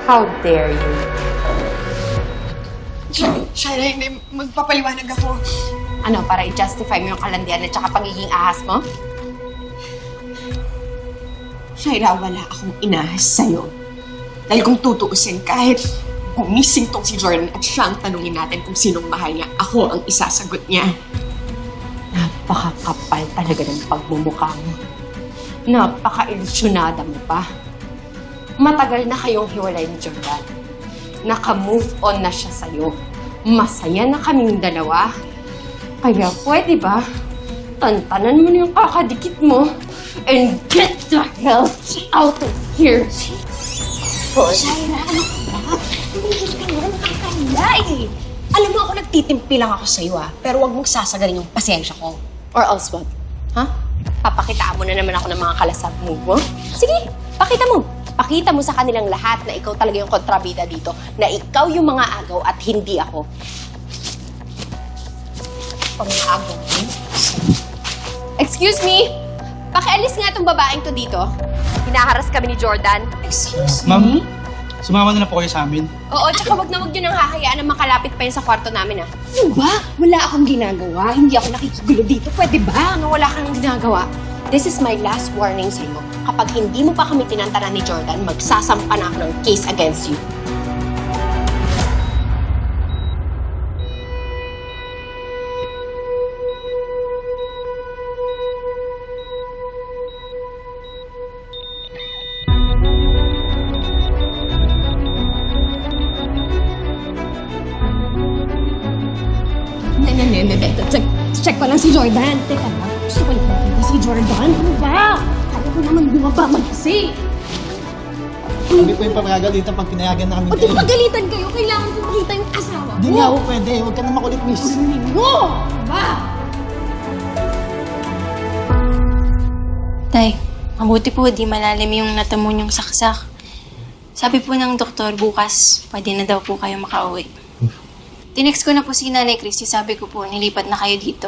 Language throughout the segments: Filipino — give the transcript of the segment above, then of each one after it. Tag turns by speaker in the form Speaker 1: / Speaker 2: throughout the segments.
Speaker 1: How dare you?
Speaker 2: Shaira, hindi. Magpapaliwanag ako.
Speaker 1: Ano, para i-justify mo yung kalandian at saka pagiging ahas mo?
Speaker 2: Shaira, wala akong inahas sa'yo. Dahil kung tutuusin, kahit gumising tong si Jordan at siya ang tanungin natin kung sinong mahal niya, ako ang isasagot niya.
Speaker 1: Napakakapal talaga ng pagmumukha mo. Napaka-ilusyonada mo pa. Matagal na kayong hiwalay ni Jordan. Naka-move on na siya sa'yo. Masaya na kaming dalawa. Kaya pwede ba, tantanan mo na yung kakadikit mo and get the hell out of here!
Speaker 3: Shaira, ano ka ba? Tumigil ka nga, nakakaya eh. Alam mo ako, nagtitimpi lang ako sa'yo pero wag mong sasagalin yung pasensya ko.
Speaker 1: Or else what? Ha? Papakitaan mo na naman ako ng mga kalasab move mo? Sige, pakita mo. Pakita mo sa kanilang lahat na ikaw talaga yung kontrabida dito. Na ikaw yung mga agaw at hindi ako. Pang-agaw mo? Excuse me? Pakialis nga itong babaeng to dito. Hinaharas kami ni Jordan.
Speaker 3: Excuse
Speaker 4: Ma'am, sumama na lang po kayo sa amin.
Speaker 1: Oo, tsaka wag na wag nyo nang hahayaan na makalapit pa yun sa kwarto namin,
Speaker 3: Ano ba? Wala akong ginagawa. Hindi ako nakikigulo dito. Pwede ba?
Speaker 1: Ano, wala kang ginagawa. This is my last warning sa'yo. Kapag hindi mo pa kami tinantanan ni Jordan, magsasampa na ako ng case against you.
Speaker 3: Check pa lang si Jordan. Teka lang, gusto ko lang nakita si Jordan. Ano ba? Kaya ko naman bumaba mag-kasi.
Speaker 4: Kami po yung pagagalitan pag pinayagan na kami
Speaker 3: O di pagalitan kayo, kailangan ko makita yung asawa
Speaker 4: Hindi nga ako pwede. Huwag ka na makulit, miss.
Speaker 3: mo! Ba?
Speaker 5: Tay, mabuti po di malalim yung natamo niyong saksak. Sabi po ng doktor, bukas pwede na daw po kayo makauwi. Tinext ko na po si Nanay Christy, sabi ko po, nilipat na kayo dito.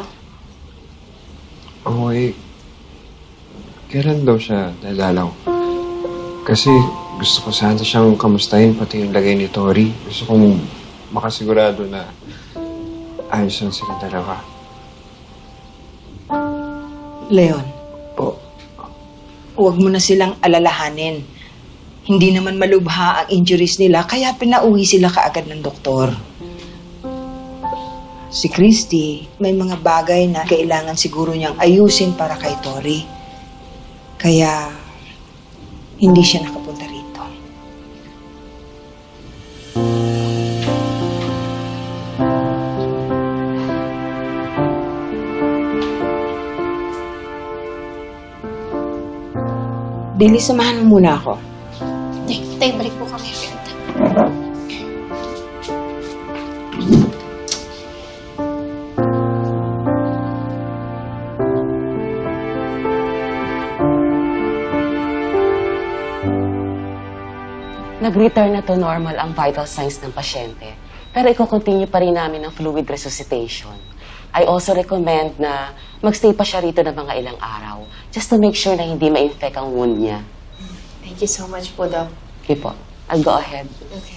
Speaker 6: Okay. Kailan daw siya dadalaw? Kasi gusto ko sana siyang kamustahin, pati yung lagay ni Tori. Gusto kong makasigurado na ayos lang sila dalawa.
Speaker 7: Leon,
Speaker 6: Po,
Speaker 7: huwag mo na silang alalahanin. Hindi naman malubha ang injuries nila, kaya pinauwi sila kaagad ng doktor. Si Christy, may mga bagay na kailangan siguro niyang ayusin para kay Tori. Kaya, hindi siya nakapunta rito. Billy, samahan mo muna ako.
Speaker 5: Tay, balik po kami agad.
Speaker 8: Nag-return na to normal ang vital signs ng pasyente. Pero i-continue pa rin namin ang fluid resuscitation. I also recommend na magstay pa siya rito ng mga ilang araw just to make sure na hindi ma-infect ang wound niya.
Speaker 1: Thank you so much po, Doc.
Speaker 8: Okay po. I'll go ahead.
Speaker 1: Okay.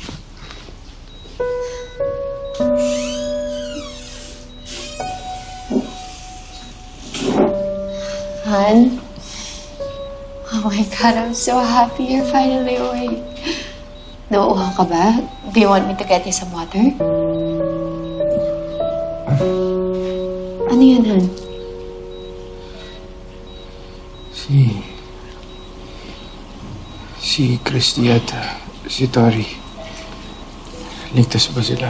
Speaker 1: Han? Oh my God, I'm so happy you're finally awake. Nauuhaw ka ba? Do you want me to get you some water? Ano yun, Han?
Speaker 6: Si Christy at si Tori. Ligtas ba sila?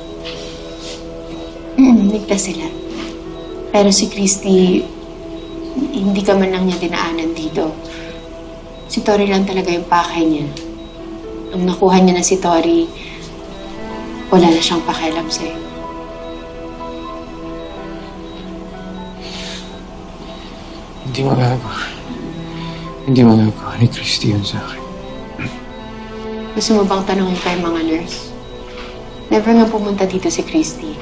Speaker 1: Ligtas sila. Pero si Christy, hindi ka man lang niya dinaanan dito. Si Tori lang talaga yung pakay niya. Nung nakuha niya na si Tori, wala na siyang pakialam sa'yo.
Speaker 6: Hindi magagawa. Hindi magagawa ni Christy yun sa akin.
Speaker 1: Gusto mo bang tanongin pa yung mga nurse? Never nga pumunta dito si Christy.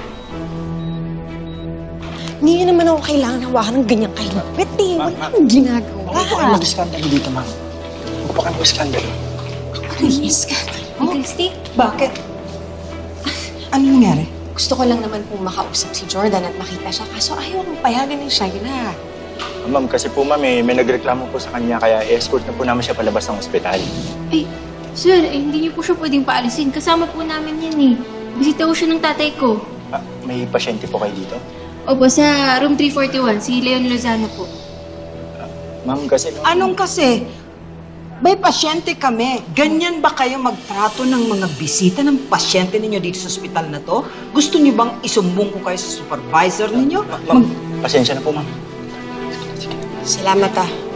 Speaker 3: Hindi naman ako kailangan hawakan ng ganyang kahilapit eh. Wala akong ginagawa.
Speaker 4: Huwag po kayo mag-skandalo dito, ma'am. Huwag po kayo mag-skandalo.
Speaker 3: Ano yung skandal?
Speaker 5: Christy?
Speaker 7: Bakit? Ano nangyari?
Speaker 2: Gusto ko lang naman pong makausap si Jordan at makita siya, kaso ayaw akong payagan ng Shaira.
Speaker 9: Ma'am, kasi po ma'am, may nagreklamo po sa kanya kaya escort na po namin siya palabas ng ospital.
Speaker 5: Ay, sir, hindi niyo po siya pwedeng paalisin. Kasama po namin yan eh. Bisita ko siya ng tatay ko.
Speaker 9: Ah, may pasyente po kayo dito?
Speaker 5: Opo, sa room 341, si Leon Lozano po.
Speaker 9: Ma'am, kasi...
Speaker 7: Anong kasi? May pasyente kami. Ganyan ba kayo magtrato ng mga bisita ng pasyente ninyo dito sa ospital na to? Gusto niyo bang isumbong ko kayo sa supervisor ninyo?
Speaker 9: Ma'am, pasensya na po ma'am.
Speaker 2: Salamat ah.